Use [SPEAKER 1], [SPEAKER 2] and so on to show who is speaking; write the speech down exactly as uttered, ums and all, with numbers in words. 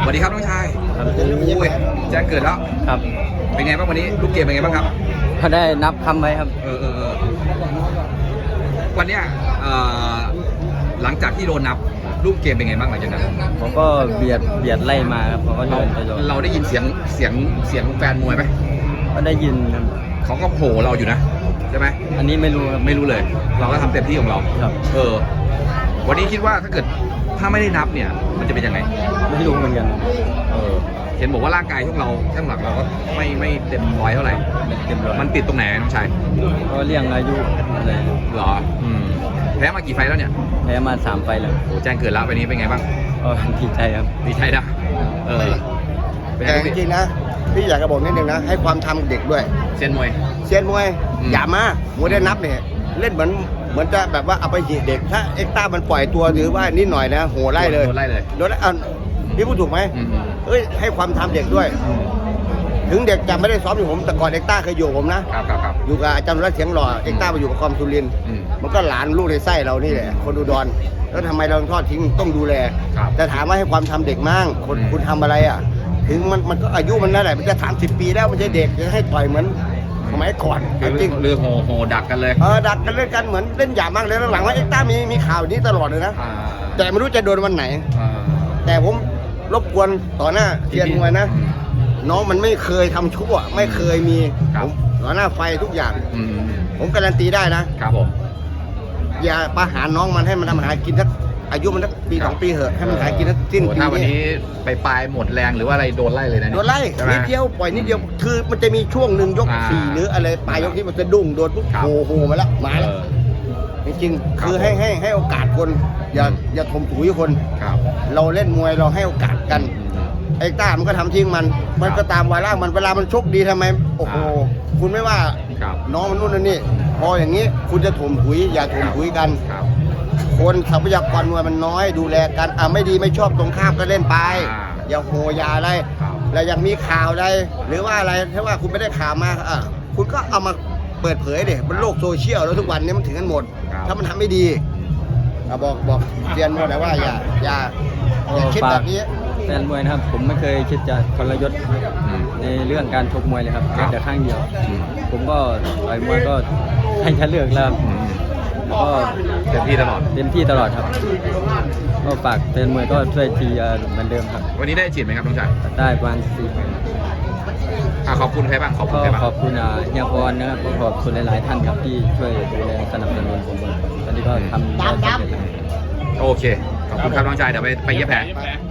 [SPEAKER 1] สวัสดีครับน้องชาย
[SPEAKER 2] ครับ
[SPEAKER 1] โอ้ยแจ้งเกิดแล้ว
[SPEAKER 2] ครับ
[SPEAKER 1] เป็นไงบ้างวันนี้ลูกเกมเป็นไงบ้างครับ
[SPEAKER 2] เขาได้นับคำไว้ครับ
[SPEAKER 1] เออเออเออวันเนี้ยเอ่อหลังจากที่โดนนับลูกเกมเป็นไงบ้างหลังจากนั้น
[SPEAKER 2] เขาก็เบียดเบียดไล่มาครับเขาก็
[SPEAKER 1] เรา
[SPEAKER 2] เดินไปโดน
[SPEAKER 1] เราได้ยินเสียงเสียงเสียงแฟนมวยไหม
[SPEAKER 2] ก็ได้ยินครับ
[SPEAKER 1] เขาก็โผล่เราอยู่นะใช่ไหม
[SPEAKER 2] อันนี้ไม่รู้ครับ
[SPEAKER 1] ไม่รู้เลย เราก็ทำเต็มที่ของเรา
[SPEAKER 2] ครับ
[SPEAKER 1] เออ วันนี้คิดว่าถ้าเกิดถ้าไม่ได้นับเนี่ย มันจะเป็นยังไง
[SPEAKER 2] ไม่รู้เหมือนกัน
[SPEAKER 1] เออเห็นบอกว่าร่างกายพวกเราช่างหลักเราก็ไม่ไม่เต็มร้อยเท่าไหร่
[SPEAKER 2] เต็มร้อย
[SPEAKER 1] มันติดตรงไหนน้องชาย
[SPEAKER 2] ก็เลี่ยงอายุอะไร
[SPEAKER 1] เหรออืมแพ้มากี่ไฟล์แล้วเนี่ย
[SPEAKER 2] แพ้มาสามไฟล์แล้ว
[SPEAKER 1] โอ้แจ้งเกิดแล้ววันนี้เป็นไงบ้าง
[SPEAKER 2] ก็ดีใจครับ
[SPEAKER 1] ดีใจนะเออเป็นไง
[SPEAKER 3] แต่จ
[SPEAKER 1] พี่
[SPEAKER 3] ริงๆนะพี่อยากจะบอกนิดนึงนะให้ความทำเด็กด้วย
[SPEAKER 1] เซียนมวย
[SPEAKER 3] เซียนมวย
[SPEAKER 1] อืม
[SPEAKER 3] อย่ามามวยได้นับเนี่ยเล่นเหมือนเหมือนจะแบบว่าเอาไปหีดเด็กถ้าเอ็กซ์ต้ามันปล่อยตัวหรือว่านิดหน่อยนะโหไล่เลย
[SPEAKER 1] โดนไล่เลย
[SPEAKER 3] โดนไล่อ่ะพี่พูดถูกไหม
[SPEAKER 1] อืม
[SPEAKER 3] เอ้ยให้ความทำเด็กด้วย ถึงเด็กจะไม่ได้ซ้อมอยู่ผมแต่ก่อนเอ็กซ์ต้าเคยอยู่กับผมนะครับ
[SPEAKER 1] ครับครับ
[SPEAKER 3] อยู่กับอาจารย์รัตน์เสียงหล่อเอ็กซ์ต้าไปอยู่กับคอมสุรินทร์
[SPEAKER 1] อืม
[SPEAKER 3] มันก็หลานลูกในไส้เรานี่แหละคนอุดรแล้วทำไมเราทอดทิ้งต้องดูแล
[SPEAKER 1] ครับ
[SPEAKER 3] แต่ถามว่าให้ความทำเด็กมั่งคน
[SPEAKER 1] อืม
[SPEAKER 3] คุณทำอะไรอ่ะ ถึงมันมันก็อายุมันนั่นแหละมันจะสามสิบปีแล้วมันจะเด็กจะให้ต่อยเหมือนสมัยก่อน
[SPEAKER 1] คือ
[SPEAKER 3] จริง
[SPEAKER 1] เรือโหโหดักกันเลย
[SPEAKER 3] เออดักกันเล่นกันเหมือนเล่นหยาบมากเลยแล้วหลังว่าเอ็กซ์ต้ามีมีข่าวนี้ตลอดเลยนะ
[SPEAKER 1] อ่า
[SPEAKER 3] แต่ไม่รู้จะโดนวันไหน
[SPEAKER 1] อ่า
[SPEAKER 3] แต่ผมรบกวนต่อหน้าเทียนมวยนะ
[SPEAKER 1] อืม
[SPEAKER 3] น้องมันไม่เคยทำชั่วไม่เคยมี
[SPEAKER 1] ครับ
[SPEAKER 3] ผมต่อหน้าไฟทุกอย่าง
[SPEAKER 1] อืม
[SPEAKER 3] ผมการันตีได้นะ
[SPEAKER 1] ครับผม
[SPEAKER 3] อย่าประหารน้องมันให้มันทำหากินสักอายุมันสักปีสองปีเหอะให้มันหากินสักสิ้น
[SPEAKER 1] โอ้
[SPEAKER 3] ปี
[SPEAKER 1] ถ้าวันนี้ไปปลายหมดแรงหรือว่าอะไรโดนไล่เลยนะ
[SPEAKER 3] โดนไล่
[SPEAKER 1] ใช่ไหม
[SPEAKER 3] นิดเดียวปล่อยนิดเดียวคือมันจะมีช่วงหนึ่งยก
[SPEAKER 1] อ่า
[SPEAKER 3] สี่หรืออะไรปลายยกที่มันจะดุ้งโดนปุ๊บ
[SPEAKER 1] ครับ
[SPEAKER 3] โอ้โหมาแล้วมาแล้ว
[SPEAKER 1] เออ
[SPEAKER 3] จริง
[SPEAKER 1] ครับ
[SPEAKER 3] ๆคือให้ให้ให้โอกาสคนอย่า
[SPEAKER 1] อืม
[SPEAKER 3] อย่าถมถุยคน
[SPEAKER 1] ครับ
[SPEAKER 3] เราเล่นมวยเราให้โอกาสกัน
[SPEAKER 1] อืม
[SPEAKER 3] ไอ้ต้ามันก็ทำทิ้งมัน มันก็ตามวาระมันเวลามันชกดีทำไมโอ้โห
[SPEAKER 1] อ่า
[SPEAKER 3] คุณไม่ว่า
[SPEAKER 1] ครับ
[SPEAKER 3] น้องมันนู่นนั่นนี่พออย่างนี้คุณจะถมถุยอย่าถมถุยกัน
[SPEAKER 1] ครับ
[SPEAKER 3] คนทรัพยากรมวยมันน้อยดูแลกันอ่ะไม่ดีไม่ชอบตรงข้ามก็เล่นไป
[SPEAKER 1] อ่า
[SPEAKER 3] อย่าโหอย่าอะไร
[SPEAKER 1] ครับ
[SPEAKER 3] แล้วยังมีข่าวอะไรหรือว่าอะไรถ้าว่าคุณไม่ได้ข่าวมาอ่ะคุณก็เอามาเปิดเผยดิบนโลกโซเชียลแล้วทุกวันนี้มันถึงกันหมด
[SPEAKER 1] ครับ
[SPEAKER 3] ถ้ามันทำไม่ดีอ่ะบอกบอกเรียนมวยแล้วว่าอย่าอย่าอย่าคิดแบบนี้
[SPEAKER 2] แฟนมวยนะครับ ผมไม่เคยคิดจะทรยศ
[SPEAKER 1] อืม
[SPEAKER 2] ในเรื่องการชกมวยเลยครับ
[SPEAKER 1] ครับ
[SPEAKER 2] แต่ข้างเดียว
[SPEAKER 1] อืม
[SPEAKER 2] ผมก็ต่อยมวยก็ให้แค่เลือกแล้วครับ
[SPEAKER 1] อืม
[SPEAKER 2] แล้วก็
[SPEAKER 1] เต็มที่ตลอด
[SPEAKER 2] เต็มที่ตลอดครับ ก็ฝากแฟนมวยก็ช่วยเชียร์เหมือนเดิมครับ
[SPEAKER 1] วันนี้ได้ฉีดไหมครับน้องชาย
[SPEAKER 2] ได้ประมาณสี่
[SPEAKER 1] อ่ะขอบคุณใครบ้างขอบคุณ
[SPEAKER 2] ก็
[SPEAKER 1] ใครบ้าง
[SPEAKER 2] ขอบคุณอ่าเฮียพรนะครับก็ขอบคุณหลาย ๆ ท่านครับที่ช่วยดูแลสนับสนุนผมตอนนี้ก็ทำได้สำเร็จแล้ว
[SPEAKER 1] โอเค ขอบคุณครับน้องชายเดี๋ยวไปไปเย็บแผล
[SPEAKER 3] ไป